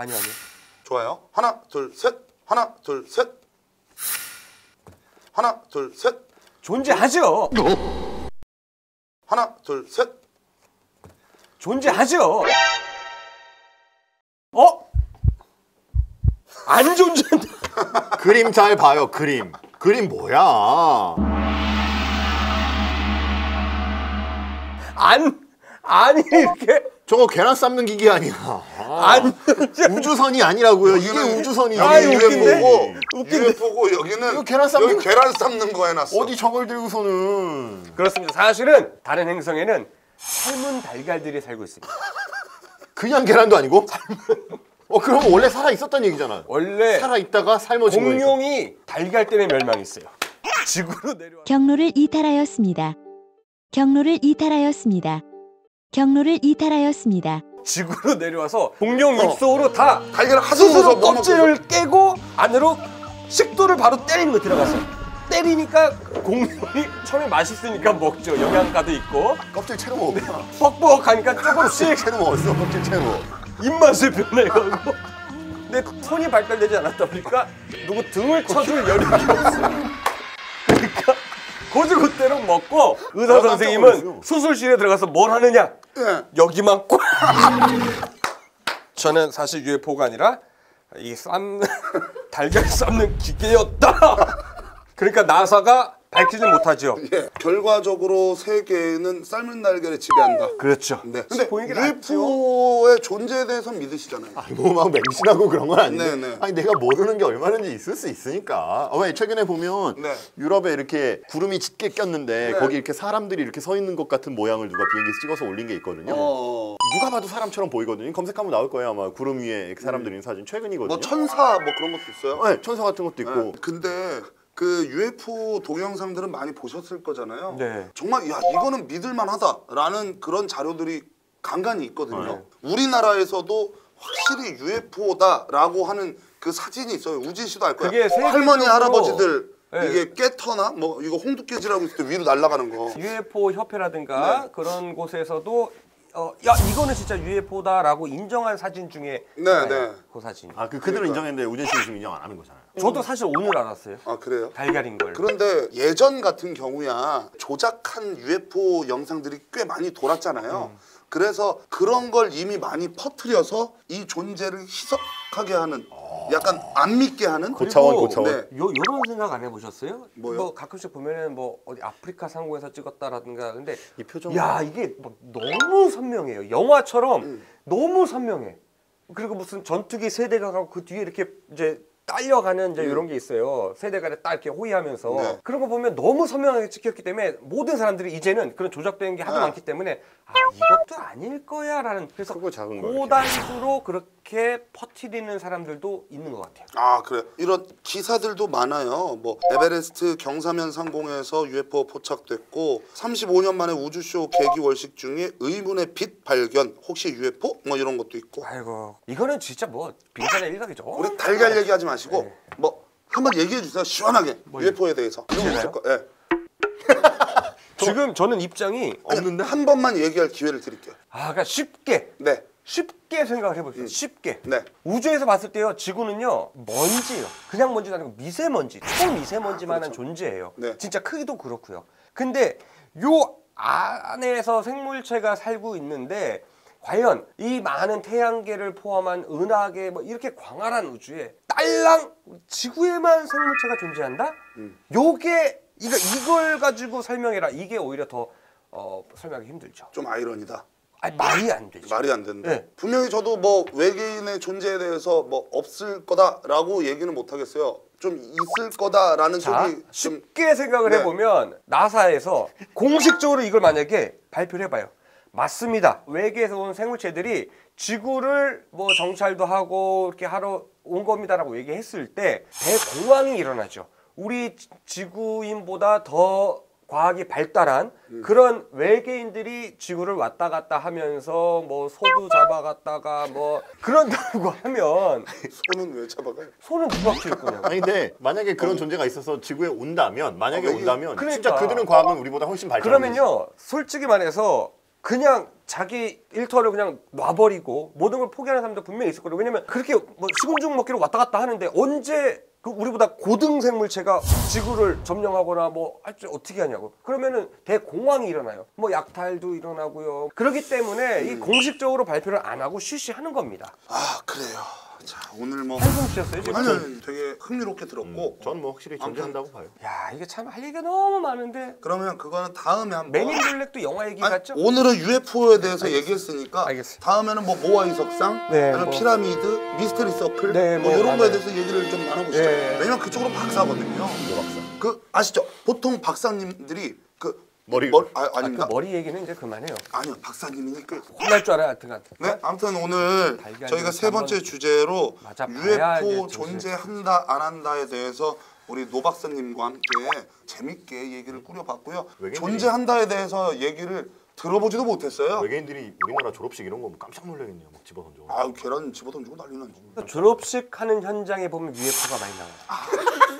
아니요. 좋아요. 하나, 둘, 셋. 하나, 둘, 셋. 하나, 둘, 셋. 존재하죠. 하나, 둘, 셋. 존재하죠. 안 존재한다. 그림 잘 봐요. 그림 뭐야? 아니 이렇게 저거 계란 삶는 기계 아니야. 우주선이 아니라고요. 이게 우주선이지. UFO고 여기는 계란 삶는 여기 계란 삶는 거 해놨어. 어디 저걸 들고서는. 그렇습니다. 사실은 다른 행성에는 삶은 달걀들이 살고 있습니다. 그냥 계란도 아니고? 그럼 원래 살아 있었단 얘기잖아. 원래 살아 있다가 삶아진 거니까. 공룡이 달걀 때문에 멸망했어요. 지구로 내려와. 경로를 이탈하였습니다. 경로를 이탈하였습니다. 경로를 이탈하였습니다. 지구로 내려와서 공룡 입속으로 다 달걀을 스스로 껍질을 깨고 안으로 식도를 바로 때리는 거 들어갔어. 때리니까 공룡이 처음에 맛있으니까 먹죠. 영양가도 있고. 껍질 채로 먹어. 뻑뻑하니까 조금씩 채로 먹었어. 껍질 채로. 입맛을 변해가고. 근데 손이 발달되지 않았다 보니까 누구 등을 쳐줄 여력이 없어요. 그러니까 고지고대로 먹고 의사 선생님은 수술실에 들어가서 뭘 하느냐? 여기만 꽉. 저는 사실 UFO가 아니라 이 달걀 삶는 기계였다. 그러니까 나사가 밝히지 못하죠. 예, 결과적으로 세계는 삶은 날개를 지배한다. 그렇죠. 네. 근데 UFO의 존재에 대해서 믿으시잖아요. 뭐 막 맹신하고 그런 건 아닌데. 네네. 아니 내가 모르는 게 얼마든지 있을 수 있으니까. 왜 최근에 보면 네. 유럽에 이렇게 구름이 짙게 꼈는데 네. 거기 이렇게 사람들이 이렇게 서 있는 것 같은 모양을 누가 비행기에서 찍어서 올린 게 있거든요. 누가 봐도 사람처럼 보이거든요. 검색하면 나올 거예요. 아마 구름 위에 이렇게 사람들이 있는 사진 최근이거든요. 뭐 천사 뭐 그런 것도 있어요? 네, 천사 같은 것도 있고. 네. 근데 그 UFO 동영상들은 많이 보셨을 거잖아요. 네. 정말 야 이거는 믿을만하다라는 그런 자료들이 간간히 있거든요. 우리나라에서도 확실히 UFO다라고 하는 그 사진이 있어요. 우진 씨도 알 거야. 그게 할머니 할아버지들 네. 이게 깨터나 뭐 이거 홍두깨질하고 있을 때 위로 날아가는 거. UFO 협회라든가 그런 곳에서도 야 이거는 진짜 UFO다라고 인정한 사진 중에 네. 그 사진. 그들은 인정했는데 우진 씨는 지금 인정 안 하는 거잖아요. 저도 사실 오늘 알았어요. 아 그래요? 달걀인 걸. 그런데 예전 같은 경우야 조작한 UFO 영상들이 꽤 많이 돌았잖아요. 그래서 그런 걸 이미 많이 퍼뜨려서 이 존재를 희석하게 하는 약간 안 믿게 하는 고차원. 네. 요런 생각 안 해보셨어요? 뭐요? 뭐 가끔씩 보면은 뭐 어디 아프리카 상공에서 찍었다라든가 근데 이 표정. 야 이게 막 너무 선명해요. 영화처럼 너무 선명해. 그리고 무슨 전투기 세대가 가고 그 뒤에 이렇게 이제 딸려가는 이제 이런 게 있어요. 세대가 딱 이렇게 호위하면서 네. 그런 거 보면 너무 선명하게 찍혔기 때문에 모든 사람들이 이제는 그런 조작된 게 하도 많기 때문에 이것도 아닐 거야라는 그래서 크고 작은 거 고단수로 그렇게 퍼뜨리는 사람들도 있는 것 같아요. 아 그래 이런 기사들도 많아요. 뭐 에베레스트 경사면 상공에서 UFO 포착됐고 35년 만에 우주쇼 개기월식 중에 의문의 빛 발견 혹시 UFO? 뭐 이런 것도 있고. 아이고 이거는 진짜 뭐 빙산의 일각이죠. 우리 달걀 얘기하지 마시고 네. 뭐 한번 얘기해 주세요. 시원하게 UFO에 대해서. 이런 거 있을 거. 예. 지금 저는 입장이 없는데 한 번만 얘기할 기회를 드릴게요. 그러니까 쉽게 생각을 해보세요. 쉽게. 네. 우주에서 봤을 때요, 지구는요 먼지예요. 그냥 먼지도 아니고 미세먼지, 초미세먼지만한 존재예요. 네. 진짜 크기도 그렇고요. 근데 요 안에서 생물체가 살고 있는데 과연 이 많은 태양계를 포함한 은하계 뭐 이렇게 광활한 우주에 딸랑 지구에만 생물체가 존재한다? 요게 이걸 가지고 설명해라. 이게 오히려 더 설명하기 힘들죠. 좀 아이러니다. 아니, 말이 안 되죠. 말이 안 된다. 네. 분명히 저도 뭐 외계인의 존재에 대해서 뭐 없을 거다라고 얘기는 못 하겠어요. 좀 있을 거다라는 쪽이 좀 쉽게 생각을 네. 해보면 나사에서 공식적으로 이걸 만약에 발표를 해봐요. 맞습니다. 외계에서 온 생물체들이 지구를 뭐 정찰도 하고 이렇게 하러 온 겁니다라고 얘기했을 때 대공황이 일어나죠. 우리 지구인보다 더 과학이 발달한 그런 외계인들이 지구를 왔다 갔다 하면서 뭐 소도 잡아갔다가 뭐 그런다고 하면 손은 왜 잡아가요? 손은 누가 키울 거냐고. 아니 근데 만약에 그런 존재가 있어서 지구에 온다면 그러니까. 진짜 그들은 과학은 우리보다 훨씬 발달한 그러면요 솔직히 말해서 그냥 자기 일터를 그냥 놔버리고 모든 걸 포기하는 사람도 분명히 있을 거예요. 왜냐면 그렇게 뭐 식은죽 먹기로 왔다 갔다 하는데 언제 그 우리보다 고등 생물체가 지구를 점령하거나 뭐 할 줄 어떻게 하냐고. 그러면은 대공황이 일어나요. 뭐 약탈도 일어나고요. 그렇기 때문에 이 공식적으로 발표를 안 하고 쉬쉬하는 겁니다. 아 그래요. 자 오늘 뭐 한숨 쉬었어요 지금. 아니 되게 흥미롭게 들었고 저는 뭐 확실히 존재한다고 봐요. 야 이게 참 할 얘기가 너무 많은데. 그러면 그거는 다음에 한번 맨인 블랙도 영화 얘기 아니, 같죠? 오늘은 UFO에 대해서 얘기했으니까 알겠습니다. 다음에는 뭐 모아이 석상, 네, 아니면 뭐. 피라미드, 미스터리 서클 네, 뭐 뭐, 이런 거에 맞아요. 대해서 얘기를 좀 나눠보시죠. 네. 왜냐면 그쪽으로 박사거든요. 박사. 그 아시죠? 보통 박사님들이 그 아닙니다. 그 머리 얘기는 이제 그만해요. 아니요 박사님이니까. 혼날 줄 알아요, 하여튼간. 네, 아무튼 오늘 달걀 저희가 세 번째 한번 주제로 맞아봐야 UFO 이제 존재한다 안 한다에 대해서 우리 노 박사님과 함께 재밌게 얘기를 꾸려봤고요. 외계인들이- 존재한다에 대해서 얘기를 들어보지도 못했어요. 외계인들이 우리나라 졸업식 이런 거 보면 깜짝 놀라겠네요. 막 집어던져. 아유 계란 집어던지고 난리 나지. 졸업식 하는 현장에 보면 UFO가 많이 나와요.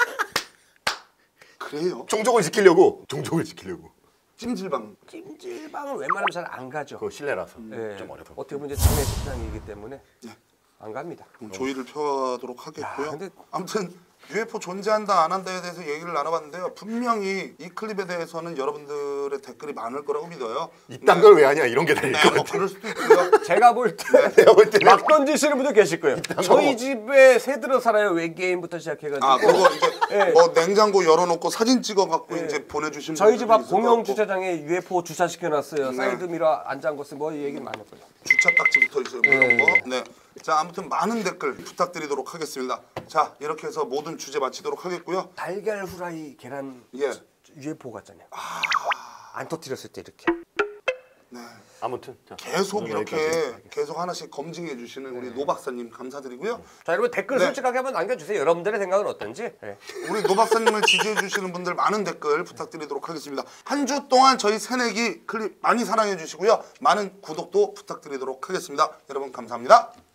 그래요? 종족을 지키려고. 찜질방. 찜질방은 웬만하면 잘 안 가죠. 그거 실내라서 네. 좀 어려서. 어떻게 보면 이제 장례 식장이기 때문에 안 갑니다. 조의를 펴도록 하겠고요. 야, 근데- 아무튼 UFO 존재한다 안 한다에 대해서 얘기를 나눠봤는데요. 분명히 이 클립에 대해서는 여러분들의 댓글이 많을 거라고 믿어요. 이딴 걸 왜 하냐 이런 게 달릴 네, 것 뭐 같아. 그럴 수도 있고요. 제가 볼 때 내가 볼 때는 막 던지시는 분들 계실 거예요. 저희 집에 새 들어 살아요. 외계인부터 시작해가지고. 아 그거 이제 네. 뭐 냉장고 열어놓고 사진 찍어갖고 네. 이제 보내주신 저희 집 앞 분들도 있을 공영 것 같고. 주차장에 UFO 주차시켜놨어요. 사이드 미러 안 잠궜어요. 뭐 얘기 많을 거예요. 주차 딱지부터 있어요. 뭐 이런 네. 거. 네. 자 아무튼 많은 댓글 부탁드리도록 하겠습니다. 자 이렇게 해서 모든 주제 마치도록 하겠고요. 달걀 후라이 계란 예. UFO 같잖아요. 안 터뜨렸을 때 이렇게. 네. 아무튼 자, 계속 오늘 이렇게 여기까지. 계속 하나씩 검증해 주시는 우리 노 박사님 감사드리고요. 자 여러분 댓글 네. 솔직하게 한번 남겨주세요. 여러분들의 생각은 어떤지. 네. 우리 노 박사님을 지지해 주시는 분들 많은 댓글 부탁드리도록 하겠습니다. 한 주 동안 저희 새내기 클립 많이 사랑해 주시고요. 많은 구독도 부탁드리도록 하겠습니다. 여러분 감사합니다.